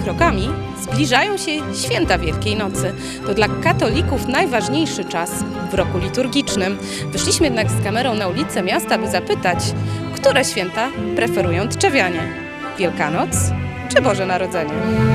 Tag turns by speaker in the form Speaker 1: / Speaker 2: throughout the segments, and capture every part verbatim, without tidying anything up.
Speaker 1: krokami zbliżają się święta Wielkiej Nocy. To dla katolików najważniejszy czas w roku liturgicznym. Wyszliśmy jednak z kamerą na ulicę miasta, by zapytać, które święta preferują tczewianie? Wielkanoc czy Boże Narodzenie?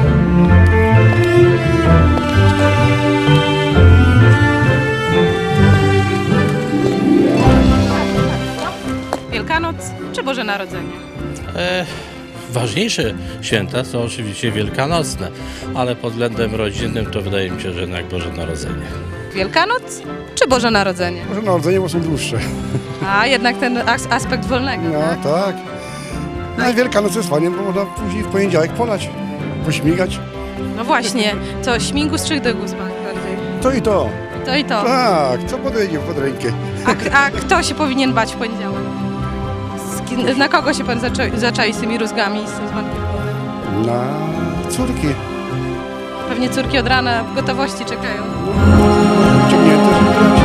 Speaker 1: Wielkanoc czy Boże Narodzenie?
Speaker 2: E, ważniejsze święta są oczywiście wielkanocne, ale pod względem rodzinnym to wydaje mi się, że jednak Boże Narodzenie.
Speaker 1: Wielkanoc czy Boże Narodzenie?
Speaker 3: Boże Narodzenie, bo są dłuższe.
Speaker 1: A jednak ten as- aspekt wolnego,
Speaker 3: No
Speaker 1: tak?
Speaker 3: tak. No i Wielkanoc jest fajnie, bo można później w poniedziałek polać, pośmigać.
Speaker 1: No właśnie, co śmigus czy dygusman bardziej?
Speaker 3: To i to.
Speaker 1: To i to.
Speaker 3: Tak, co podejdzie pod rękę.
Speaker 1: A, k- a kto się powinien bać w poniedziałek? Z ki- Na kogo się pan zaczai, zaczai z tymi rózgami? Z tym dzwonkiem?
Speaker 3: Na córki.
Speaker 1: Pewnie córki od rana w gotowości czekają.
Speaker 3: Ciągnięte, żeby grać.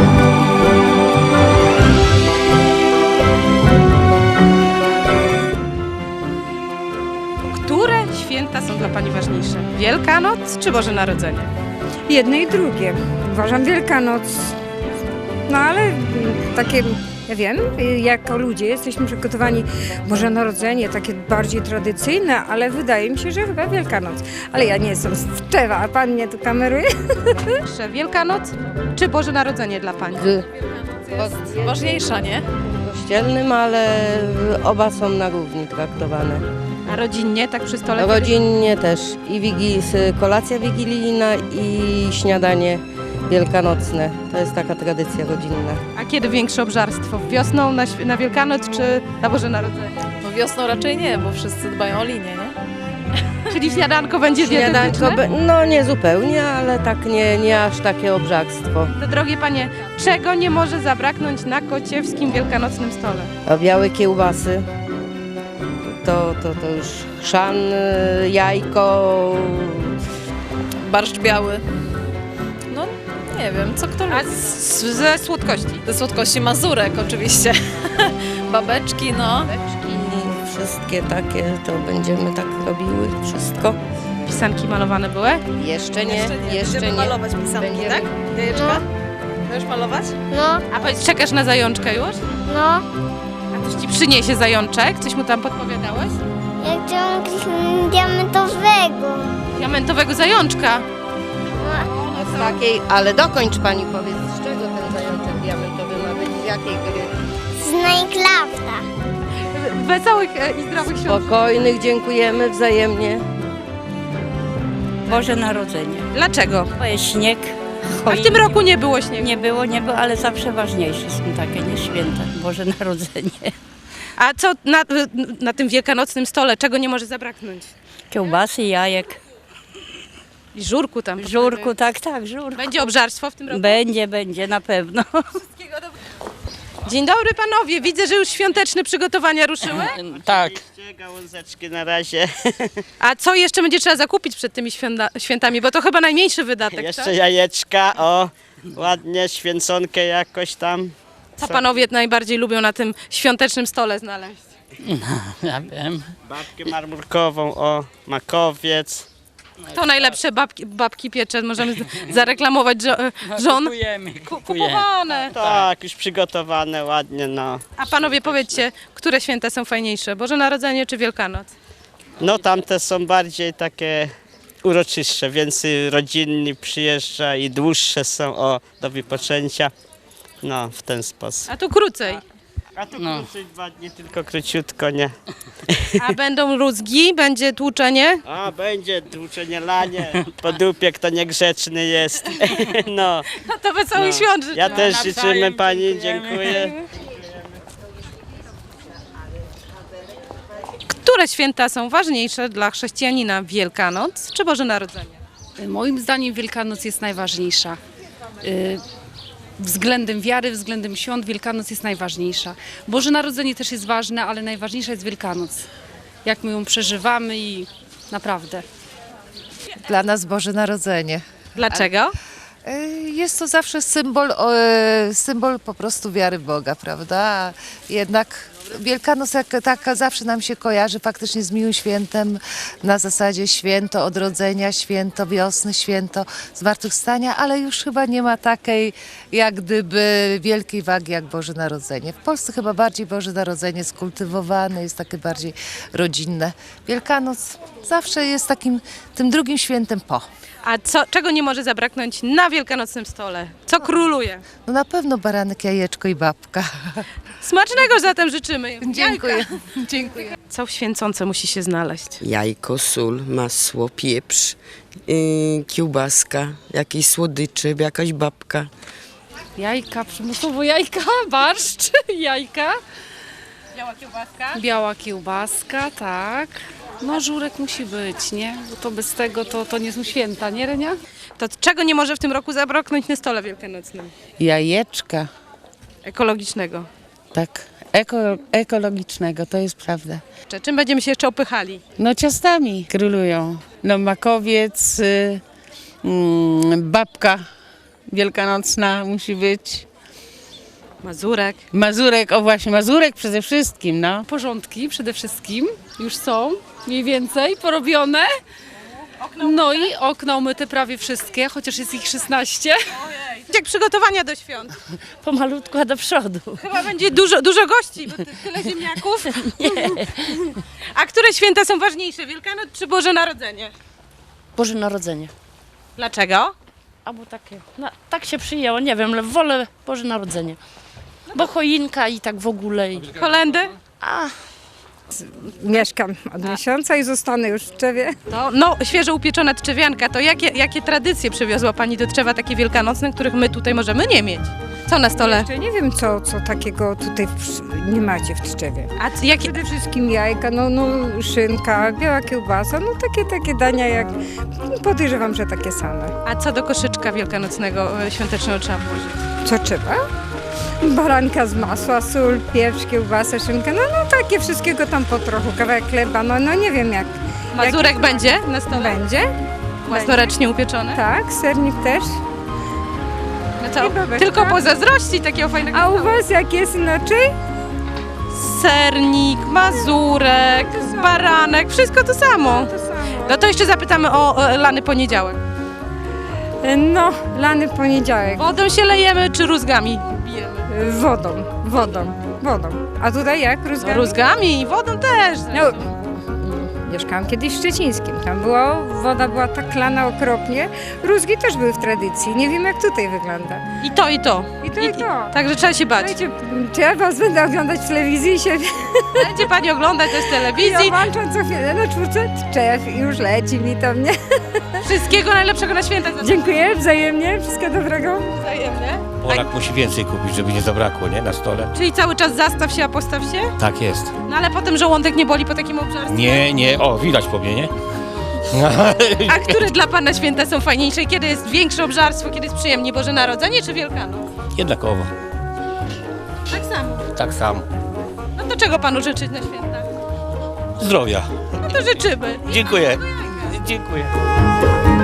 Speaker 1: Które święta są dla pani ważniejsze? Wielkanoc czy Boże Narodzenie?
Speaker 4: Jedne i drugie. Uważam Wielkanoc. No ale mm, takie, ja wiem, jako ludzie jesteśmy przygotowani Boże Narodzenie, takie bardziej tradycyjne, ale wydaje mi się, że chyba Wielkanoc. Ale ja nie jestem z Tczewa, a pan mnie tu kameruje?
Speaker 1: Jeszcze Wielkanoc czy Boże Narodzenie dla pani?
Speaker 5: Ważniejsza, nie?
Speaker 6: Kościelnym, ale oba są na równi traktowane.
Speaker 1: A rodzinnie, tak przy stole?
Speaker 6: Rodzinnie też. I wigi, kolacja wigilijna i śniadanie wielkanocne. To jest taka tradycja rodzinna.
Speaker 1: A kiedy większe obżarstwo? Wiosną na, św- na Wielkanoc czy na Boże Narodzenie?
Speaker 5: No wiosną raczej nie, bo wszyscy dbają o linię, nie?
Speaker 1: Czyli śniadanko będzie
Speaker 6: Śniadanko,
Speaker 1: dietetyczne?
Speaker 6: be- no nie zupełnie, ale tak nie, nie aż takie obżarstwo.
Speaker 1: To drogie panie, czego nie może zabraknąć na kociewskim wielkanocnym stole?
Speaker 6: A białe kiełbasy, to, to, to już chrzan, y, jajko,
Speaker 5: Barszcz biały. No nie wiem, co kto
Speaker 1: A
Speaker 5: lubi.
Speaker 1: z, ze słodkości?
Speaker 5: Ze słodkości mazurek oczywiście. Babeczki, no.
Speaker 6: beczki, wszystkie takie, to będziemy tak robiły, wszystko.
Speaker 1: Pisanki malowane były?
Speaker 6: Jeszcze nie, jeszcze nie.
Speaker 5: Będziemy malować pisanki,
Speaker 6: Będziemy.
Speaker 5: tak? Jajeczka? Będziesz malować?
Speaker 7: No,
Speaker 1: A powiedz, czekasz na zajączkę już?
Speaker 7: no,
Speaker 1: A coś ci przyniesie zajączek? Coś mu tam podpowiadałeś?
Speaker 7: ja chciałam jakiegoś diamentowego.
Speaker 1: Diamentowego zajączka.
Speaker 7: No,
Speaker 6: Z takiej, ale dokończ pani, powiedz, z czego ten zajączek diamentowy ma być, z jakiej gry?
Speaker 7: z Minecrafta.
Speaker 1: Wesołych e, i zdrowych świąt.
Speaker 6: Spokojnych, dziękujemy wzajemnie.
Speaker 8: Boże Narodzenie.
Speaker 1: Dlaczego?
Speaker 8: Bo jest śnieg.
Speaker 1: A w tym roku nie było śniegu.
Speaker 8: Nie było, nie było, ale zawsze ważniejsze są takie, nie święta. Boże Narodzenie.
Speaker 1: A co na, na tym wielkanocnym stole, czego nie może zabraknąć?
Speaker 8: Kiełbasy, jajek,
Speaker 1: I żurku tam.
Speaker 8: żurku, tak, tak, żurku.
Speaker 1: Będzie obżarstwo w tym roku?
Speaker 8: Będzie, będzie, na pewno.
Speaker 1: Dzień dobry panowie, widzę, że już świąteczne przygotowania ruszyły.
Speaker 9: Tak.
Speaker 10: Gałązeczki na razie.
Speaker 1: A co jeszcze będzie trzeba zakupić przed tymi święta, świętami? Bo to chyba najmniejszy wydatek,
Speaker 10: Jeszcze
Speaker 1: tak?
Speaker 10: jajeczka, o, ładnie, święconkę jakoś tam.
Speaker 1: Co panowie najbardziej lubią na tym świątecznym stole znaleźć?
Speaker 9: Ja wiem.
Speaker 10: Babkę marmurkową, o, makowiec.
Speaker 1: To najlepsze babki, babki piecze, możemy z- zareklamować żo, żon.
Speaker 9: Kupujemy,
Speaker 1: Ku-
Speaker 9: kupujemy.
Speaker 1: Kupowane.
Speaker 10: Tak, już przygotowane ładnie, no.
Speaker 1: A panowie powiedzcie, które święta są fajniejsze? Boże Narodzenie czy Wielkanoc?
Speaker 10: No tamte są bardziej takie uroczystsze, więcej rodzinni przyjeżdża i dłuższe są, o, do wypoczęcia. No, w ten sposób.
Speaker 1: A tu krócej.
Speaker 10: A tu krócej dwa dni, tylko króciutko, nie?
Speaker 1: A będą rózgi, będzie tłuczenie?
Speaker 10: A, będzie tłuczenie lanie, po dupie, kto niegrzeczny jest. No.
Speaker 1: No to wesołych
Speaker 10: No.
Speaker 1: świąt życzę.
Speaker 10: Ja też
Speaker 9: nawzajem
Speaker 10: życzymy pani,
Speaker 9: dziękujemy.
Speaker 10: dziękuję.
Speaker 1: Które święta są ważniejsze dla chrześcijanina? Wielkanoc czy Boże Narodzenie?
Speaker 11: Moim zdaniem Wielkanoc jest najważniejsza. Y, Względem wiary, względem świąt Wielkanoc jest najważniejsza. Boże Narodzenie też jest ważne, ale najważniejsza jest Wielkanoc. Jak my ją przeżywamy i naprawdę.
Speaker 12: Dla nas Boże Narodzenie.
Speaker 1: Dlaczego?
Speaker 12: Jest to zawsze symbol, e, symbol po prostu wiary w Boga, prawda? Jednak Wielkanoc jak taka zawsze nam się kojarzy faktycznie z miłym świętem, na zasadzie święto odrodzenia, święto wiosny, święto zmartwychwstania, ale już chyba nie ma takiej jak gdyby wielkiej wagi jak Boże Narodzenie. W Polsce chyba bardziej Boże Narodzenie skultywowane, jest takie bardziej rodzinne. Wielkanoc zawsze jest takim tym drugim świętem po.
Speaker 1: A co, czego nie może zabraknąć na wielkanocnym stole? Co króluje?
Speaker 12: No na pewno baranek, jajeczko i babka.
Speaker 1: Smacznego zatem życzymy.
Speaker 12: Dziękuję. Dziękuję.
Speaker 1: Co w święcące musi się znaleźć?
Speaker 13: Jajko, sól, masło, pieprz, yy, kiełbaska, jakieś słodycze, jakaś babka.
Speaker 11: Jajka, przymusowo jajka, barszcz, jajka.
Speaker 1: Biała kiełbaska?
Speaker 11: Biała kiełbaska, tak. No żurek musi być, nie? Bo to bez tego to, to nie są święta, nie Renia?
Speaker 1: To czego nie może w tym roku zabraknąć na stole wielkanocnym?
Speaker 8: Jajeczka,
Speaker 1: Ekologicznego.
Speaker 8: tak, eko, ekologicznego, to jest prawda.
Speaker 1: Czy- Czym będziemy się jeszcze opychali?
Speaker 8: No ciastami królują. No makowiec, y, mm, babka wielkanocna musi być.
Speaker 1: Mazurek.
Speaker 8: Mazurek, o właśnie, mazurek przede wszystkim, no.
Speaker 11: Porządki przede wszystkim już są, mniej więcej porobione. No i okna umyte prawie wszystkie, chociaż jest ich szesnaście.
Speaker 1: Jak przygotowania do świąt?
Speaker 8: Pomalutku, a do przodu.
Speaker 1: Chyba będzie dużo, dużo gości, bo ty, tyle ziemniaków. A które święta są ważniejsze? Wielkanoc czy Boże Narodzenie?
Speaker 8: Boże Narodzenie.
Speaker 1: Dlaczego?
Speaker 8: Albo takie, no, tak się przyjęło, nie wiem, ale wolę Boże Narodzenie. Bo choinka i tak w ogóle. I...
Speaker 1: Kolendy?
Speaker 8: A,
Speaker 4: Mieszkam od miesiąca i zostanę już w Tczewie.
Speaker 1: To, no, świeżo upieczona trzewianka. To jakie, jakie tradycje przywiozła Pani do Tczewa, takie wielkanocne, których my tutaj możemy nie mieć? Co na stole?
Speaker 4: Jeszcze nie wiem, co, co takiego tutaj w, nie macie w Tczewie.
Speaker 1: A c- jakie...
Speaker 4: Przede wszystkim jajka, no, no szynka, biała kiełbasa, no takie, takie dania jak, podejrzewam, że takie same.
Speaker 1: A co do koszyczka wielkanocnego, e, świątecznego trzeba włożyć?
Speaker 4: Co trzeba? Baranka z masła, sól, pieprz, kiełbasę, szynkę, no, no takie wszystkiego tam po trochu, kawałek chleba, no, no nie wiem jak.
Speaker 1: Mazurek
Speaker 4: jak
Speaker 1: będzie na stole?
Speaker 4: Będzie.
Speaker 1: Własnoręcznie upieczony?
Speaker 4: Tak, sernik też.
Speaker 1: No to
Speaker 4: I babeczka.
Speaker 1: tylko pozazdrościć takiego fajnego
Speaker 4: A u
Speaker 1: stołu.
Speaker 4: was jak jest inaczej?
Speaker 1: Sernik, mazurek,
Speaker 4: To samo.
Speaker 1: baranek, wszystko to samo.
Speaker 4: To samo.
Speaker 1: No to jeszcze zapytamy o, o lany poniedziałek.
Speaker 4: No, lany poniedziałek.
Speaker 1: Wodą się lejemy czy rózgami bijemy?
Speaker 4: Wodą, wodą, wodą. A tutaj jak?
Speaker 1: No,
Speaker 4: Rózgami?
Speaker 1: rózgami i wodą też.
Speaker 4: No, mieszkałam kiedyś w Szczecińskim. Tam była, woda była tak lana okropnie. Rózgi też były w tradycji. Nie wiem jak tutaj wygląda.
Speaker 1: I to, i to.
Speaker 4: I to, i to.
Speaker 1: Także trzeba się bać.
Speaker 4: Słuchajcie, czy ja was będę oglądać w telewizji i się
Speaker 1: Będzie Pani oglądać też
Speaker 4: ja
Speaker 1: telewizji.
Speaker 4: włączam co chwilę na czwórce Tczew i już leci mi to mnie.
Speaker 1: Wszystkiego najlepszego na święta.
Speaker 4: Dziękuję wzajemnie, wszystkiego dobrego.
Speaker 1: Wzajemnie.
Speaker 14: Polak musi więcej kupić, żeby nie zabrakło, nie? Na stole.
Speaker 1: Czyli cały czas zastaw się, a postaw się?
Speaker 14: Tak jest.
Speaker 1: No ale potem żołądek nie boli po takim obżarstwie.
Speaker 14: Nie, nie, o, widać po mnie, nie?
Speaker 1: A które dla Pana święta są fajniejsze? Kiedy jest większe obżarstwo, kiedy jest przyjemniej? Boże Narodzenie czy Wielkanoc?
Speaker 14: Jednakowo.
Speaker 1: Tak samo.
Speaker 14: Tak samo.
Speaker 1: No to czego Panu życzyć na święta?
Speaker 14: Zdrowia.
Speaker 1: No to życzymy.
Speaker 14: Dziękuję. Dziękuję.